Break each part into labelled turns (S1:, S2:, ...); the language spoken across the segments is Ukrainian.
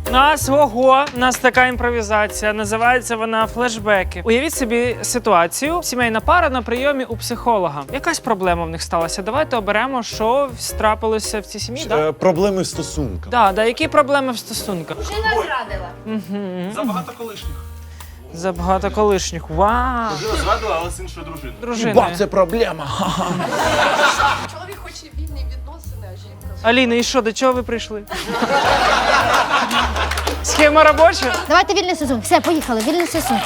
S1: У нас така імпровізація, називається вона флешбеки. Уявіть собі ситуацію, сімейна пара на прийомі у психолога. Якась проблема в них сталася. Давайте оберемо, що трапилося в цій сім'ї.
S2: Проблеми в стосунках.
S1: Да, які проблеми в стосунках?
S3: Жена зрадила.
S4: Забагато колишніх.
S1: Забагато колишніх. Вау!
S4: Дружина зрадила, але з іншою дружиною.
S1: Дружина.
S2: Це проблема.
S3: Чоловік хоче вільні відносини, а жінка...
S1: Аліна, і що, до чого ви прийшли? Схема робоча?
S5: Давайте вільний стосунок. Все, поїхали, вільний стосунок.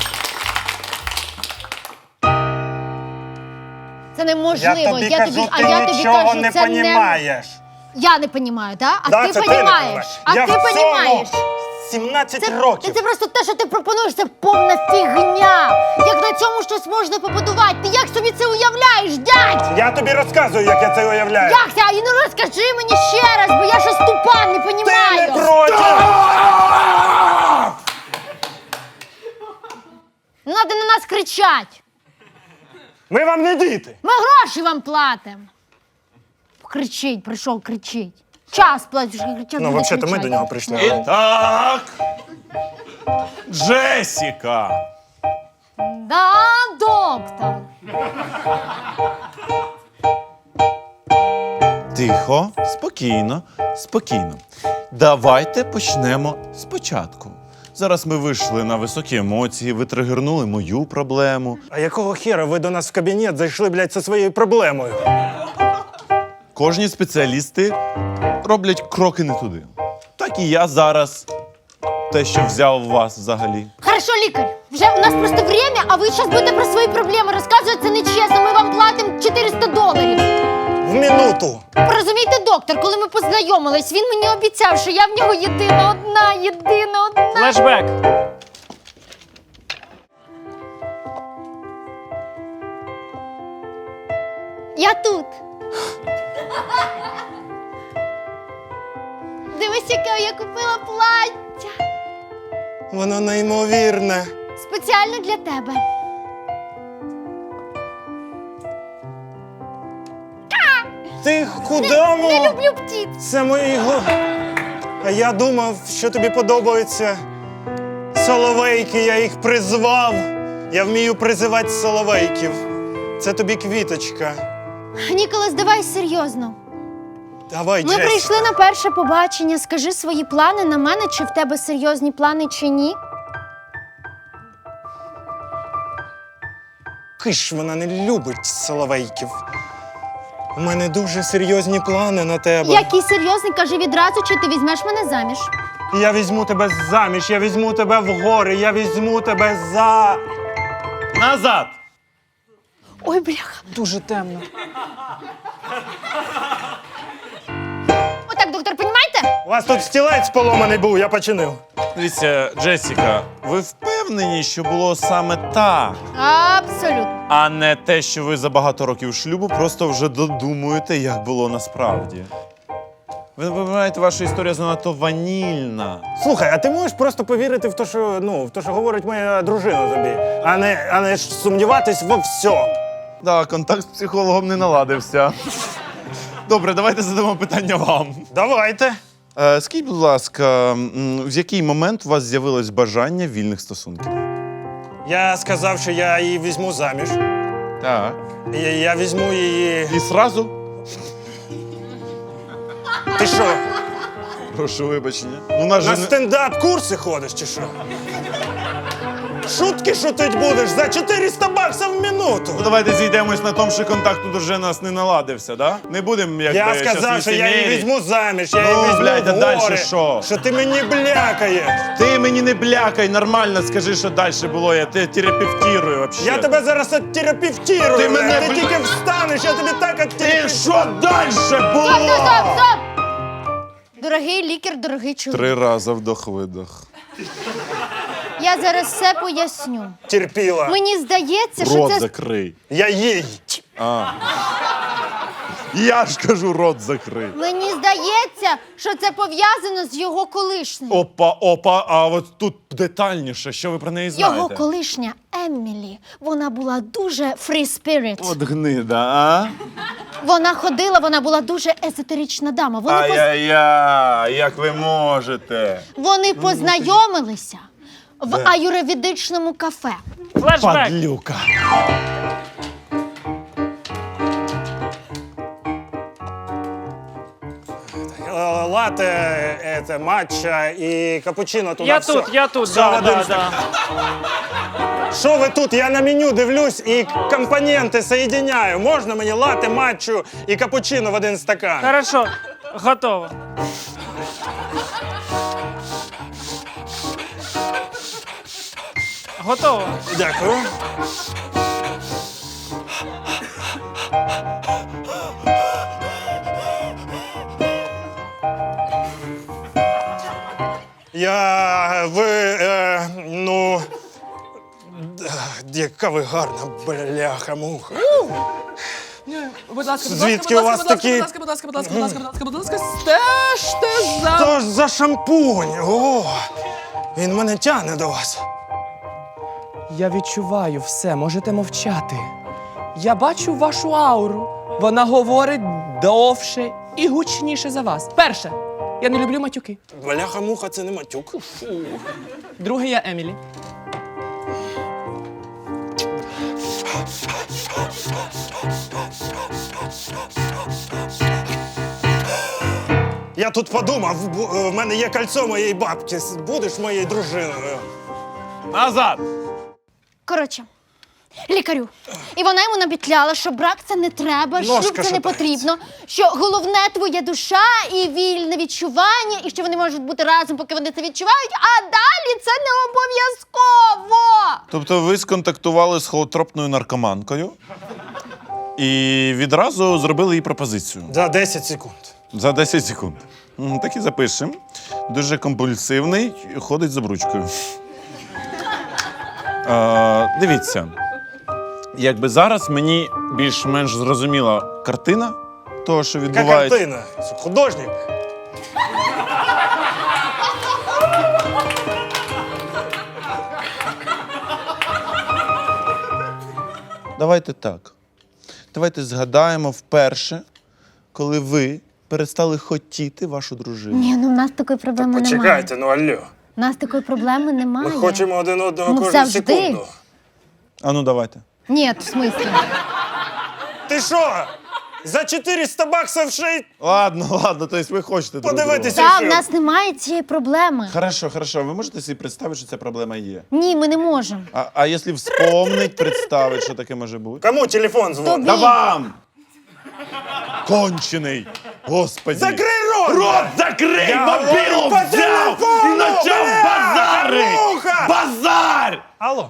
S5: Це неможливо.
S6: Я тобі кажу, ти нічого не понімаєш.
S5: Я не понімаю, так? А
S6: Да,
S5: ти
S6: це ти
S5: понімаєш.
S6: не
S5: А ти
S6: в цьому
S5: понімаєш.
S6: 17 років.
S5: Це просто те, що ти пропонуєш, це повна фігня. Як на цьому щось можна побудувати? Ти як собі це уявляєш, дядь?
S6: Я тобі розказую, як я це уявляю.
S5: Як це? І ну розкажи мені ще раз, бо я щось тупа, не
S6: Ти
S5: понімаю.
S6: не проти!
S5: Не треба на нас кричать.
S6: Ми вам не діти.
S5: Ми гроші вам платимо. Кричить, прийшов, кричить. Час платиш, кричать.
S6: Ну, взагалі-то ми до нього прийшли.
S2: Так. Джесіка.
S5: Да, доктор.
S2: Тихо, спокійно, спокійно. Давайте почнемо спочатку. Зараз ми вийшли на високі емоції, ви тригернули мою проблему.
S6: А якого хера ви до нас в кабінет зайшли, блядь, зі своєю проблемою?
S2: Кожні спеціалісти роблять кроки не туди. Так і я зараз те, що взяв вас взагалі.
S5: Хорошо, лікар. Вже у нас просто время, а ви зараз будете про свої проблеми розказувати. Це нечесно. Ми вам платимо $400.
S6: В минуту.
S5: Розумієте, доктор, коли ми познайомились, він мені обіцяв, що я в нього єдина одна.
S1: Флешбек.
S5: Я тут. Дивись, яке я купила плаття.
S6: Воно неймовірне.
S5: Спеціально для тебе.
S6: Ти куди?
S5: Не люблю птиць.
S6: Це мої А я думав, що тобі подобаються соловейки, я їх призвав. Я вмію призивати соловейків. Це тобі квіточка.
S5: Ніколас, давай серйозно.
S6: Давай,
S5: Ми
S6: Джесі.
S5: прийшли на перше побачення. Скажи свої плани на мене, чи в тебе серйозні плани, чи ні.
S6: Киш, вона не любить соловейків. У мене дуже серйозні плани на тебе.
S5: Який серйозний, кажи відразу, чи ти візьмеш мене заміж.
S6: Я візьму тебе заміж, я візьму тебе в гори, я візьму тебе за...
S2: Назад!
S5: Ой, бляха.
S1: Дуже темно.
S5: Отак, доктор, понімаєте?
S6: У вас тут стілець поломаний був, я починив.
S2: Дивіться, Джесіка, ви впевнені, що було саме так,
S5: Абсолютно.
S2: а не те, що ви за багато років шлюбу просто вже додумуєте, як було насправді? Ви вибираєте, ваша історія занадто ванільна.
S6: Слухай, а ти можеш просто повірити в те, що, в те, що говорить моя дружина тобі, а не ж сумніватись во всьому.
S2: Так, контакт з психологом не наладився. Добре, давайте задамо питання вам.
S6: Давайте.
S2: Скажіть, будь ласка, в який момент у вас з'явилось бажання вільних стосунків?
S6: Я сказав, що я її візьму заміж.
S2: Так.
S6: Я візьму її...
S2: І сразу?
S6: Ти що,
S2: Прошу вибачення. Ну, нас же
S6: на
S2: не...
S6: стендап-курси ходиш чи що? Шутки шутить будеш за $400 в минуту.
S2: Ну, давайте зійдемось на тому, що контакт тут уже нас не наладився, да? Не будемо, якби,
S6: Я сказав, що я її візьму заміж, я її
S2: Ну,
S6: візьму
S2: блядь, а
S6: в
S2: дальше
S6: гори.
S2: що?
S6: Що ти мені блякаєш.
S2: Ти мені не блякай, нормально скажи, що далі було, я тебе терапевтирую вообще.
S6: Я тебе зараз оттерапевтирую.
S2: Ти мене,
S6: Ти
S2: бля-
S6: тільки встанеш, я тобі так
S2: Ти
S6: оттерапевтирую.
S2: що далі було?
S5: Стоп! Дорогий лікар, дорогий чоловік.
S2: 3 рази вдох-видох.
S5: Я зараз все поясню.
S6: Терпіла.
S5: Мені здається, що
S2: Рот
S5: це...
S2: закрий.
S6: Я їй.
S2: Я ж кажу, рот закрий.
S5: Мені здається, що це пов'язано з його колишнім.
S2: Опа, а от тут детальніше, що ви про неї знаєте?
S5: Його колишня Емілі, вона була дуже free spirit.
S2: От гнида, а?
S5: Вона була дуже езотерична дама.
S2: Ай-яй-яй, як ви можете?
S5: Вони познайомилися в аюрведичному кафе.
S1: Флешбек.
S2: Падлюка.
S6: Лате, матча і капучино туди.
S1: Я
S6: все.
S1: тут,
S6: Все
S1: да,
S6: в один
S1: да,
S6: стакан.
S1: да.
S6: Що ви тут? Я на меню дивлюсь і компоненти соєдиняю. Можна мені лате, матчу і капучино в один стакан?
S1: Хорошо, готово. Готово.
S6: Дякую. Яка ви гарна, бляха-муха.
S3: Будь ласка,
S6: Звідки у вас такі-
S3: будь ласка, стежте за...
S6: Що ж за шампунь? О, він мене тягне до вас.
S7: Я відчуваю все, можете мовчати. Я бачу вашу ауру. Вона говорить довше і гучніше за вас. Перше, я не люблю матюки.
S6: Бляха-муха, це не матюк.
S7: Друге, я Емілі.
S6: Я тут подумав, в мене є кольцо моєї бабки. Будеш моєю дружиною?
S2: Назад!
S5: Коротше, лікарю. І вона йому набітляла, що брак це не треба, шлюб
S6: Ножка
S5: це не
S6: шатається.
S5: потрібно, що головне твоя душа і вільне відчування, і що вони можуть бути разом, поки вони це відчувають, а далі це не обов'язково.
S2: Тобто ви сконтактували з холотропною наркоманкою і відразу зробили їй пропозицію.
S6: За 10 секунд.
S2: За 10 секунд. Так і запишемо. Дуже компульсивний, ходить з обручкою. Дивіться, якби зараз мені більш-менш зрозуміла картина того, що
S6: Яка
S2: відбувається.
S6: картина? Художник.
S2: Давайте так. Давайте згадаємо вперше, коли ви перестали хотіти вашу дружину.
S5: Ні, ну в нас такої проблеми немає.
S6: Почекайте, ну алло.
S5: У нас такої проблеми немає.
S6: Ми хочемо один одного
S5: Ну,
S6: кожну
S5: завжди.
S6: секунду.
S2: А ну давайте.
S5: Ні, в смислі.
S6: Ти що? За 400 баксів ще й
S2: Ладно, тобто ви хочете друг друга.
S6: подивитися
S5: Так, в
S6: фільм.
S5: нас немає цієї проблеми.
S2: Хорошо. Ви можете собі представити, що ця проблема є?
S5: Ні, ми не можемо.
S2: А якщо вспомнить, представить, що таке може бути?
S6: Кому телефон дзвонить?
S5: Тобі.
S2: Да вам! Кончений! Господи!
S6: Закрий рот!
S2: Рот закрий!
S6: Я
S2: Мобілу
S6: говорю по
S2: взяв!
S6: телефону,
S2: І почав
S6: бля!
S2: базарить!
S6: Муха!
S2: Базар!
S6: Алло.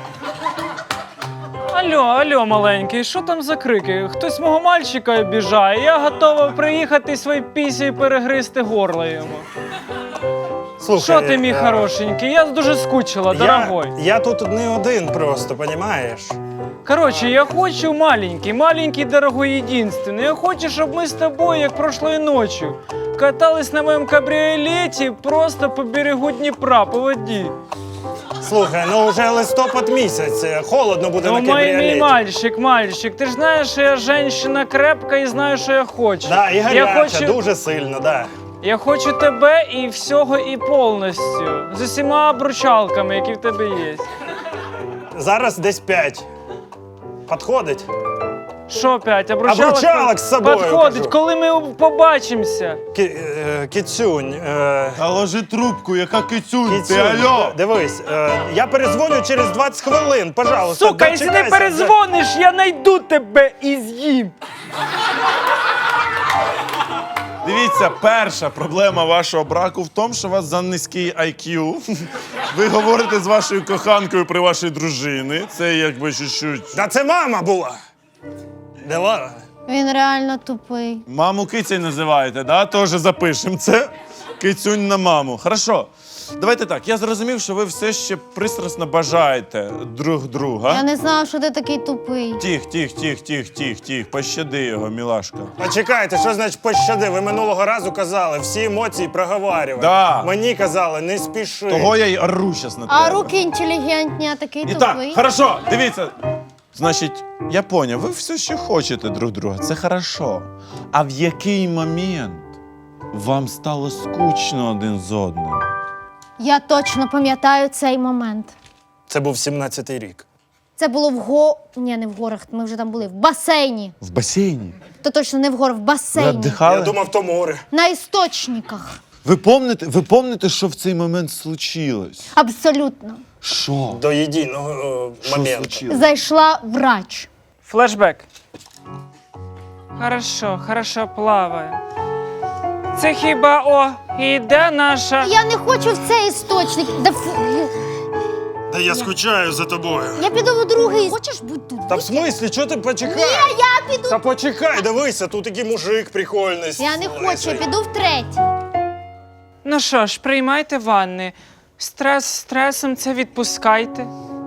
S1: Алло, маленький, що там за крики? Хтось мого мальчика обіжає. Я готова приїхати свої пісі і перегризти горло йому.
S6: Слухай,
S1: Що ти, мій хорошенький? Я дуже скучила, дорогой.
S6: Я тут не один просто, понімаєш?
S1: Короче, я хочу маленький, дорогой, единственный. Я хочу, щоб ми з тобою, як прошлої ночі, катались на моєму кабріолеті просто по берегу Дніпра, по воді.
S6: Слухай, ну вже листопад місяць, холодно буде
S1: Ну,
S6: на
S1: мій
S6: кабріолеті.
S1: мальчик, ти ж знаєш, що я жінка крепка і знаю, що я хочу.
S6: Да, і
S1: я
S6: гаряча, дуже сильно, да.
S1: Я хочу тебе і всього, і повністю. З усіма обручалками, які в тебе є.
S6: Зараз десь 5. Подходить?
S1: Що 5? Обручалок?
S6: Обручалок з собою,
S1: Підходить,
S6: кажу.
S1: коли ми побачимося.
S6: Кіцюнь.
S2: Та ложи трубку, яка кицюнь, ти,
S6: Кіцюнь,
S2: алло!
S6: дивись, я перезвоню через 20 хвилин, пожалуйста.
S1: Сука, якщо не
S6: дочекайся.
S1: перезвониш, я найду тебе і з'їм.
S2: Дивіться, перша проблема вашого браку в тому, що у вас занизький IQ. Ви говорите з вашою коханкою при вашій дружині. Це якби чуть-чуть.
S6: Та це мама була. Дела.
S5: Він реально тупий.
S2: Маму кицей називаєте, да? Теж запишемо це. Кицюнь на маму. Хорошо. Давайте так. Я зрозумів, що ви все ще пристрасно бажаєте друг друга.
S5: Я не знала, що ти такий тупий.
S2: Тих. Пощади його, мілашка.
S6: Почекайте, що значить пощади? Ви минулого разу казали, всі емоції проговарювати.
S2: Да.
S6: Мені казали, не спіши.
S2: Того я й ору щас на тебе.
S5: А руки інтелігентні, а такий
S2: І так,
S5: тупий.
S2: хорошо, дивіться. Значить, я поняв, ви все ще хочете друг друга, це хорошо. А в який момент вам стало скучно один з одним?
S5: Я точно пам'ятаю цей момент.
S6: Це був 17-й рік.
S5: Це було Ні, не в горах, ми вже там були. В басейні.
S2: В басейні?
S5: То точно не в горах, в
S2: Ви
S5: басейні.
S2: віддихали?
S6: Я думав, то море.
S5: На істочниках.
S2: Ви помните, що в цей момент случилось?
S5: Абсолютно.
S2: Що?
S6: До єдиного
S2: Що
S6: моменту.
S2: случилось?
S5: Зайшла врач.
S1: Флешбек. Хорошо плаває. Це хіба, іде наша.
S5: Я не хочу в цей істочник.
S6: Та я скучаю за тобою.
S5: Я піду в другий. Хочеш бути тут?
S6: Та в смислі, чого ти почекай?
S5: Ні, я піду.
S6: Та почекай, дивися, тут такий мужик прикольний.
S5: Я не хочу, я піду в третій.
S1: Ну що ж, приймайте ванни. Стрес стресом це відпускайте.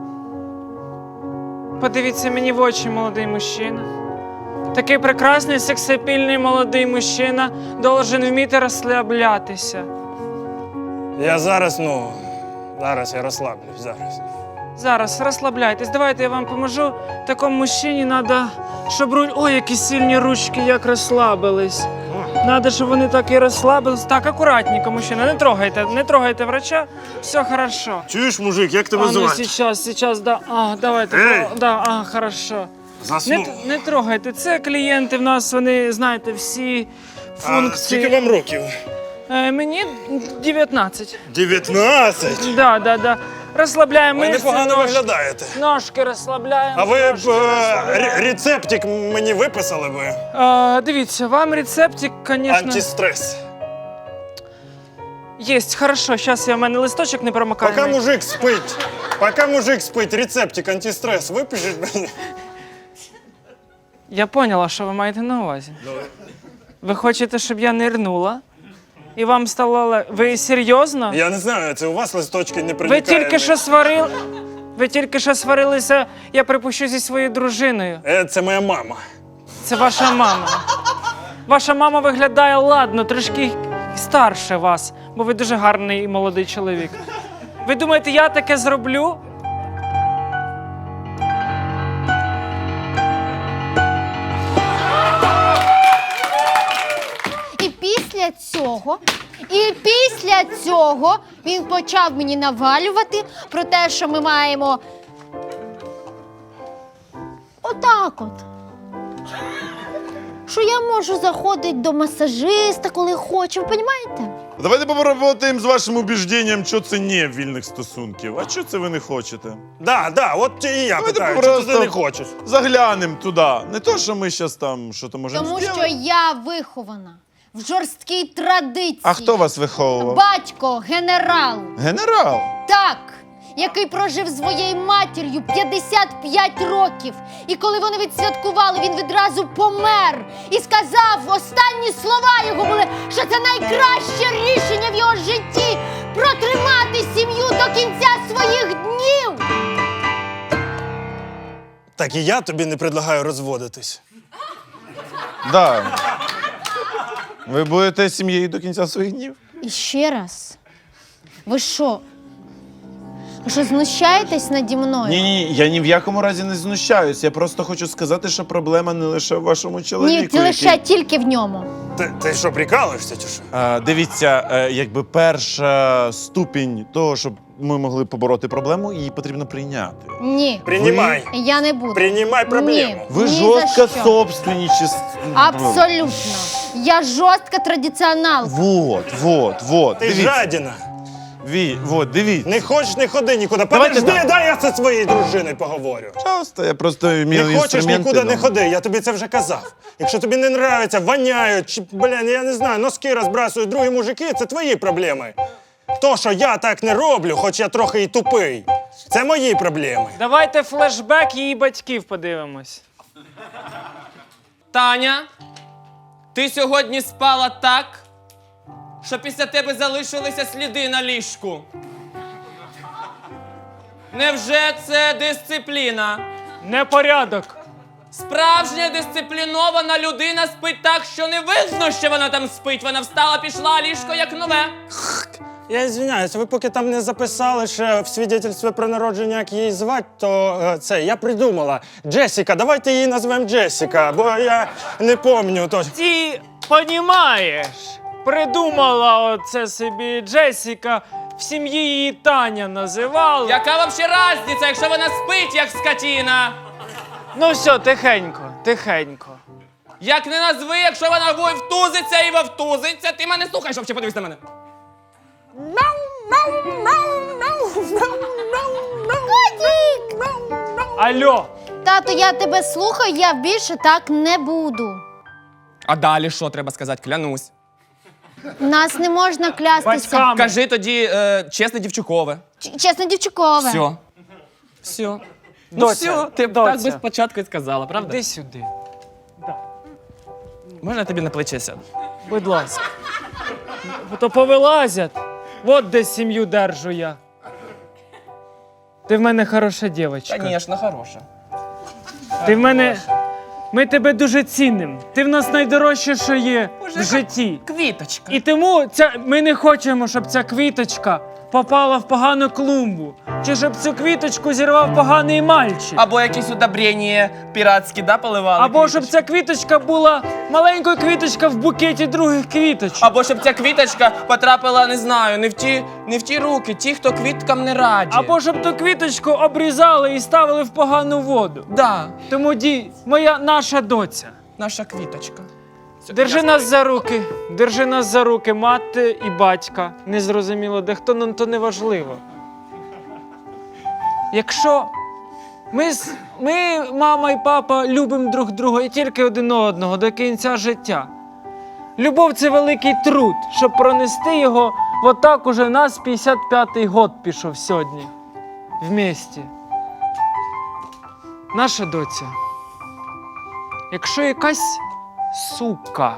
S1: Подивіться мені в очі, молодий мужчина. Такий прекрасний, сексапільний молодий мужчина должен вміти розслаблятися.
S6: Я зараз я розслаблюсь, зараз.
S1: Зараз розслабляйтесь. Давайте я вам поможу. Такому мужчині треба, щоб Ой, які сильні ручки, як розслабились. Надо, щоб вони так і розслабились. Так, акуратненько, мужчина, не трогайте врача. Все хорошо.
S6: Чуєш, мужик, як тебе
S1: А, ну
S6: звати?
S1: сейчас, да. Давайте.
S6: Ей!
S1: Хорошо.
S6: Заснув.
S1: Не трогайте. Це клієнти в нас, вони, знаєте, всі
S6: А
S1: функції.
S6: скільки вам років?
S1: Мені 19.
S6: 19?
S1: Да. Розслабляємо
S6: Ви
S1: мишці,
S6: непогано
S1: ножки.
S6: виглядаєте.
S1: Ножки розслабляємо.
S6: А ви б
S1: ножки.
S6: рецептик мені виписали би?
S1: Дивіться, вам рецептик, звісно,
S6: Антистрес.
S1: є. Хорошо, зараз в мене листочок не промокає.
S6: Поки мужик спить, рецептик антистрес випишіть мені.
S1: Я поняла, що ви маєте на увазі. Ви хочете, щоб я нирнула? І вам стало Ви серйозно?
S6: Я не знаю, це у вас листочки не
S1: Ви
S6: проникають.
S1: тільки що сварилися, я припущу, зі своєю дружиною.
S6: Це моя мама.
S1: Це ваша мама. Ваша мама виглядає ладно, трошки старше вас, бо ви дуже гарний і молодий чоловік. Ви думаєте, я таке зроблю?
S5: І після цього він почав мені навалювати про те, що ми маємо отак от. Що я можу заходити до масажиста, коли хочу, ви розумієте?
S2: Давайте попробуємо з вашим убіжденням, що це не вільних стосунків. А що це ви не хочете?
S6: Да, от і я
S2: Давайте
S6: питаю, чи
S2: просто
S6: ти не хочеш?
S2: Заглянемо туди. Не то, що ми зараз там що-то можемо
S5: Тому
S2: зробити.
S5: що я вихована в жорсткій традиції.
S2: А хто вас виховував?
S5: Батько, генерал.
S2: Генерал.
S5: Так, який прожив з своєю матір'ю 55 років. І коли вони відсвяткували, він відразу помер. І сказав, останні слова його були, що це найкраще рішення в його житті – протримати сім'ю до кінця своїх днів.
S6: Так і я тобі не предлагаю розводитись.
S2: Да. Ви будете сім'єю до кінця своїх днів?
S5: І ще раз, ви що? Ви що, знущаєтесь наді мною?
S2: Ні, я ні в якому разі не знущаюсь. Я просто хочу сказати, що проблема не лише в вашому чоловіку.
S5: Ні, це лише тільки в ньому.
S6: Ти що, прикалуєшся чи що?
S2: Дивіться, якби перша ступінь того, щоб ми могли побороти проблему, її потрібно прийняти.
S5: Ні,
S6: Приймай.
S5: я не буду.
S6: Приймай проблему.
S5: Ні.
S2: Ви
S5: Ні
S2: жорстко
S5: за що.
S2: собственничество.
S5: Абсолютно. Я жорстка традиціоналка.
S2: Вот.
S6: Ти
S2: Дивіться.
S6: жадіна.
S2: Дивіться.
S6: Не хочеш, не ходи нікуди.
S2: Давайте
S6: Подожди,
S2: так.
S6: дай я це своєю дружиною поговорю.
S2: Часто я просто вмію
S6: Не хочеш,
S2: інструменти.
S6: нікуди не ходи, я тобі це вже казав. Якщо тобі не нравиться, воняють, чи, я не знаю, носки розбрасують другі мужики, це твої проблеми. То, що я так не роблю, хоч я трохи і тупий, це мої проблеми.
S1: Давайте флешбек її батьків подивимось.
S7: Таня, ти сьогодні спала так, що після тебе залишилися сліди на ліжку. Невже це дисципліна?
S1: Непорядок.
S7: Справжня дисциплінована людина спить так, що не видно, що вона там спить. Вона встала, пішла, а ліжко як нове.
S6: Я извиняюсь, ви поки там не записали ще в свідетельстві про народження, як її звати, то я придумала. Джесіка, давайте її назвемо Джесіка, бо я не пам'ятаю точно.
S1: Ти понімаєш, придумала оце собі Джесіка, в сім'ї її Таня називали.
S7: Яка взагалі різниця, якщо вона спить, як скотіна?
S1: Ну все, тихенько, тихенько.
S7: Як не назви, якщо вона вовтузиться і вовтузиться, ти мене слухаєш, взагалі подивись на мене.
S1: Алло,
S5: Тато, я тебе слухаю, я більше так не буду.
S7: А далі що треба сказати? Клянусь.
S5: Нас не можна клястися.
S1: батьками.
S7: Кажи тоді чесне дівчукове.
S5: Чесно, дівчикове.
S7: Все. Все. Ну
S1: Доця,
S7: все, ти б
S1: доця.
S7: так би спочатку і сказала, правда?
S1: Іди сюди,
S7: Можна тобі на плече сяду?
S1: будь ласка. То повилазять. От де сім'ю держу я. Ти в мене хороша дівчинка.
S7: Звісно, хороша.
S1: Ти в мене. Ми тебе дуже цінимо. Ти в нас найдорожче, що є в житті.
S7: Квіточка.
S1: І тому ми не хочемо, щоб ця квіточка попала в погану клумбу. Чи щоб цю квіточку зірвав поганий мальчик.
S7: Або якісь удобрення піратські, да, поливали?
S1: Або щоб ця квіточка була маленькою квіточка в букеті других квіточок.
S7: Або щоб ця квіточка потрапила, не знаю, не в ті руки, ті, хто квіткам не раді.
S1: Або щоб ту квіточку обрізали і ставили в погану воду.
S7: Да,
S1: Тому наша доця.
S7: наша квіточка.
S1: Держи нас за руки, держи нас за руки, мати і батька. Незрозуміло, де хто, нам то не важливо. Якщо ми, мама і папа, любимо друг друга і тільки один одного до кінця життя. Любов – це великий труд, щоб пронести його, отак уже нас 55-й год пішов сьогодні. Вместе. Наша доця. Якщо якась сука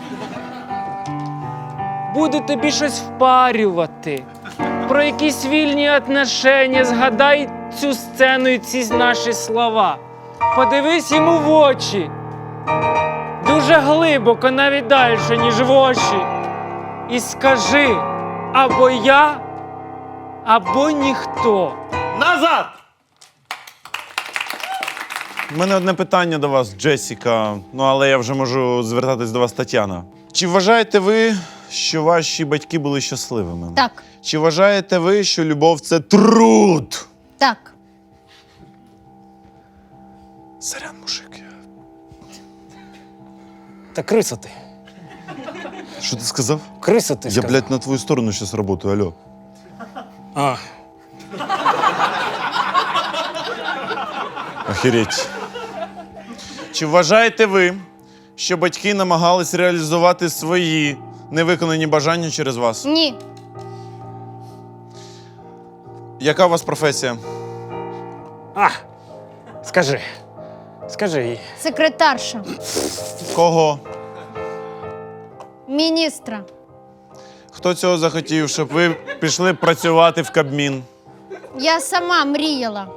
S1: буде тобі щось впарювати, про якісь вільні отношення, згадай цю сцену і ці наші слова. Подивись йому в очі. Дуже глибоко, навіть далі, ніж в очі. І скажи, або я, або ніхто.
S2: Назад! У мене одне питання до вас, Джесіка. Ну, але я вже можу звертатись до вас, Тетяна. Чи вважаєте ви, що ваші батьки були щасливими?
S5: Так,
S2: Чи вважаєте ви, що любов – це труд?
S5: так.
S2: Сорян, мужик.
S6: Та криса ти.
S2: Що ти сказав?
S6: Криса ти
S2: Я,
S6: сказав.
S2: блядь, на твою сторону зараз работаю, алло.
S6: А,
S2: Охереть. Чи вважаєте ви, що батьки намагались реалізувати свої невиконані бажання через вас?
S5: Ні.
S2: Яка у вас професія?
S6: скажи. Скажи їй.
S5: Секретарша.
S2: Кого?
S5: Міністра.
S2: Хто цього захотів, щоб ви пішли працювати в Кабмін?
S5: Я сама мріяла.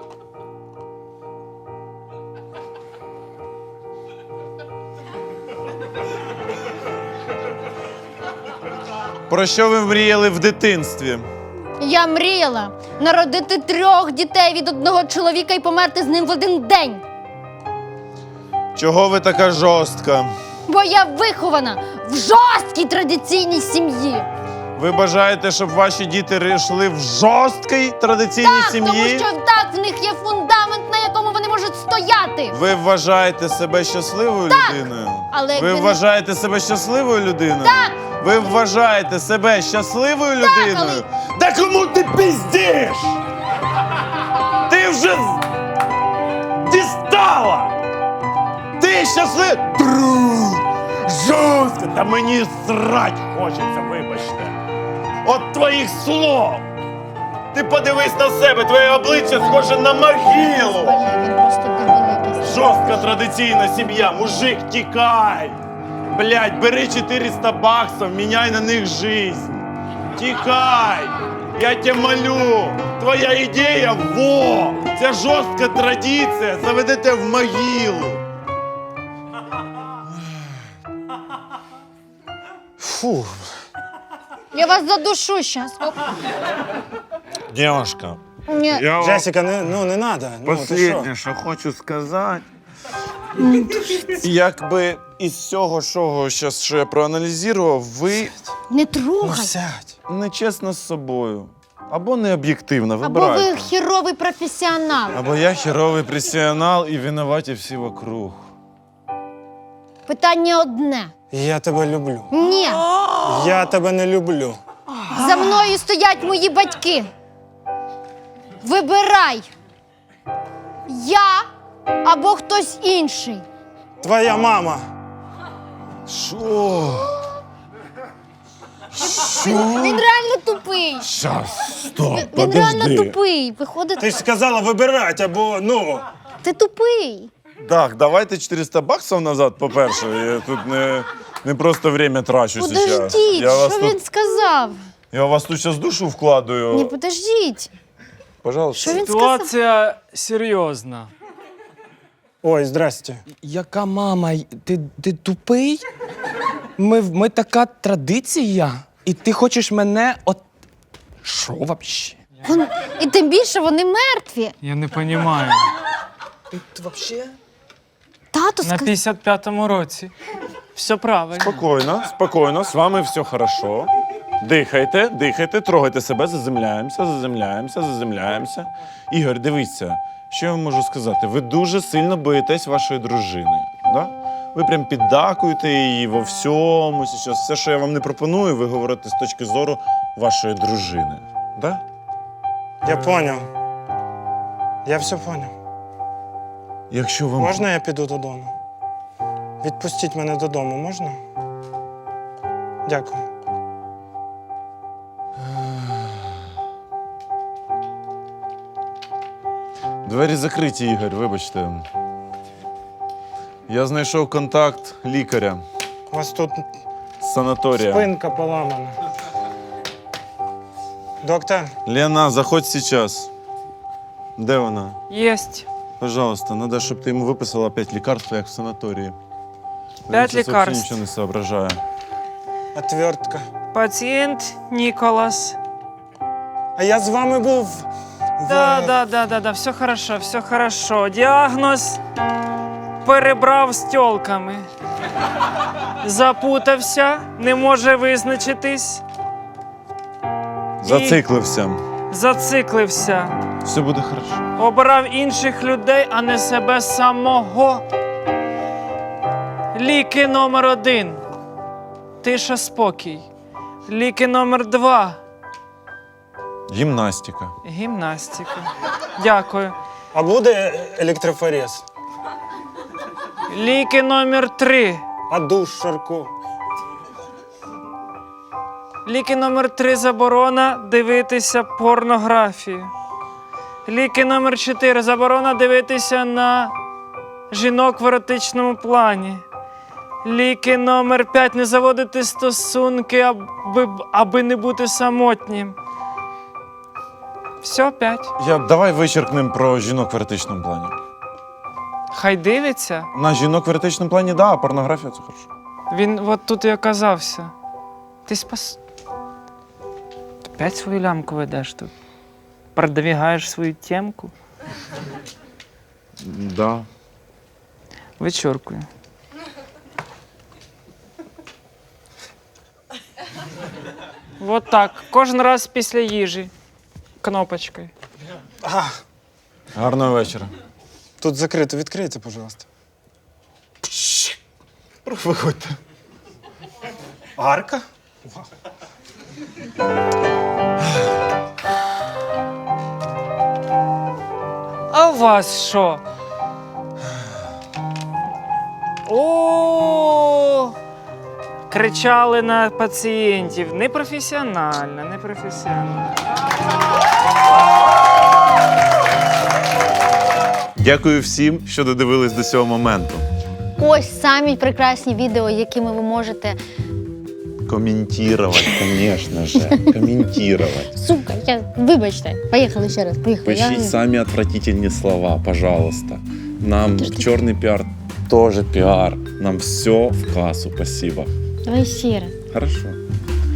S2: Про що ви мріяли в дитинстві?
S5: Я мріяла народити 3 дітей від одного чоловіка і померти з ним в один день.
S2: Чого ви така жорстка?
S5: Бо я вихована в жорсткій традиційній сім'ї.
S2: Ви бажаєте, щоб ваші діти йшли в жорсткій традиційній
S5: Так, тому
S2: сім'ї?
S5: що так в них є фундамент, на якому вони можуть стояти.
S2: Ви вважаєте себе щасливою людиною?
S5: але
S2: Ви
S5: він-
S2: вважаєте себе щасливою людиною? Так! Ви вважаєте себе щасливою людиною? Да кому ти пиздиш? Ти вже дістала! Ти щаслив... Друг! Жорстко! Та мені срать хочеться, вибачте. От твоїх слов! Ти подивись на себе, твоє обличчя схоже на могилу!
S5: Боже, він просто дебіл якийсь.
S2: Жорстка традиційна сім'я, мужик, тікай! Блядь, бери 400 баксов, меняй на них жизнь. Тікай! Я тебе молю! Твоя ідея – во! Це жорстка традиція, заведете в могилу.
S6: Фу.
S5: Я вас задушу щас.
S2: Девушка,
S5: Ні.
S2: я
S6: Джесіка, не надо. Ну, ти що?
S2: Последнє, що хочу сказати. Якби із всього, що я проаналізував, ви
S5: Не
S6: Ну,
S5: трогай.
S6: сядь.
S2: нечесна з собою. Або не об'єктивна,
S5: Або
S2: вибирайте.
S5: ви хіровий професіонал.
S2: Або я херовий професіонал і винуваті всі вокруг.
S5: Питання одне.
S6: Я тебе люблю.
S5: Ні.
S6: Я тебе не люблю.
S5: За мною стоять мої батьки. Вибирай. Я або хтось інший.
S6: Твоя мама.
S2: Що?
S5: Він реально тупий.
S2: Щас, стоп,
S5: Він реально тупий. Виходить,
S6: Ти ж сказала вибирати, або ну.
S5: ти тупий.
S2: Так, давайте 400 баксів назад, по-перше. Я тут не просто время трачу зараз.
S5: Подождіть, що він сказав?
S2: Я вас тут зараз душу вкладаю.
S5: Ні, подождіть.
S2: Пожалуйста.
S5: Що він сказав?
S1: Ситуація серйозна.
S6: Ой, здрасте.
S7: Яка мама? Ти тупий? Ми така традиція. І ти хочеш мене от. Що вообще?
S5: І тим більше вони мертві.
S1: Я не розумію.
S7: Ти вообще?
S5: Тато
S1: На
S5: сказав.
S1: 55-му році. Все правильно.
S2: Спокійно, спокійно, з вами все хорошо. Дихайте, дихайте, трогайте себе, заземляємося. Ігор, дивіться, що я вам можу сказати? Ви дуже сильно боїтесь вашої дружини. Да? Ви прям піддакуєте її во всьому. Сейчас. Все, що я вам не пропоную, ви говорите з точки зору вашої дружини. Да?
S6: Я поняв. Я все поняв.
S2: Якщо вам
S6: Можна я піду додому? Відпустіть мене додому, можна? Дякую.
S2: Двері закриті, Ігор, вибачте. Я знайшов контакт лікаря
S6: У вас тут
S2: з санаторія.
S6: спинка поламана. Доктор,
S2: Лена, заходь сейчас. Де вона?
S1: Єсть.
S2: Пожалуйста, надо, щоб ти йому виписала 5 лікарств, як в санаторії.
S1: 5
S2: Він щас
S1: лікарств.
S2: взагалі нічого не соображає.
S6: отвертка.
S1: Пацієнт Ніколас.
S6: А я з вами був.
S1: Да, все хорошо. Діагноз перебрав з тьолками. Запутався, не може визначитись, зациклився.
S2: Все буде хорошо.
S1: Обирав інших людей, а не себе самого. Ліки номер 1. Тиша, спокій. Ліки номер 2.
S2: Гімнастика.
S1: Гімнастика. Дякую.
S6: А буде електрофорез?
S1: Ліки номер 3.
S6: А душ, Шарко?
S1: Ліки номер 3 заборона дивитися порнографію. Ліки номер 4 заборона дивитися на жінок в еротичному плані. Ліки номер 5 не заводити стосунки, аби не бути самотнім. Все, 5.
S2: Давай вичеркнемо про жінок в еротичному плані.
S1: Хай дивиться.
S2: На жінок в еротичному плані, да, а порнографія це хорошо.
S1: Він от тут і оказався. Ти спас. Опять свою лямку ведеш тут. Продвигаєш свою темку.
S2: Да.
S1: Вичоркую. Вот так. Кожен раз після їжі. Кнопочкою.
S2: Гарного вечора.
S6: Тут закрито, відкрийте, пожалуйста.
S2: Виходьте.
S6: Арка?
S1: А у вас що? О! Кричали на пацієнтів. Непрофесіонально, непрофесіонально.
S2: Дякую всім, що додивились до цього моменту.
S5: Ось самі прекрасні відео, якими ви можете.
S2: Комментировать, конечно же. Комментировать.
S5: Сука, вибачте. Поїхали ще раз. Поїхали.
S8: Поищите сами отвратительные слова, пожалуйста. Нам черный пиар тоже пиар. Нам все в кассу, спасибо.
S5: Давай ще раз.
S8: Хорошо.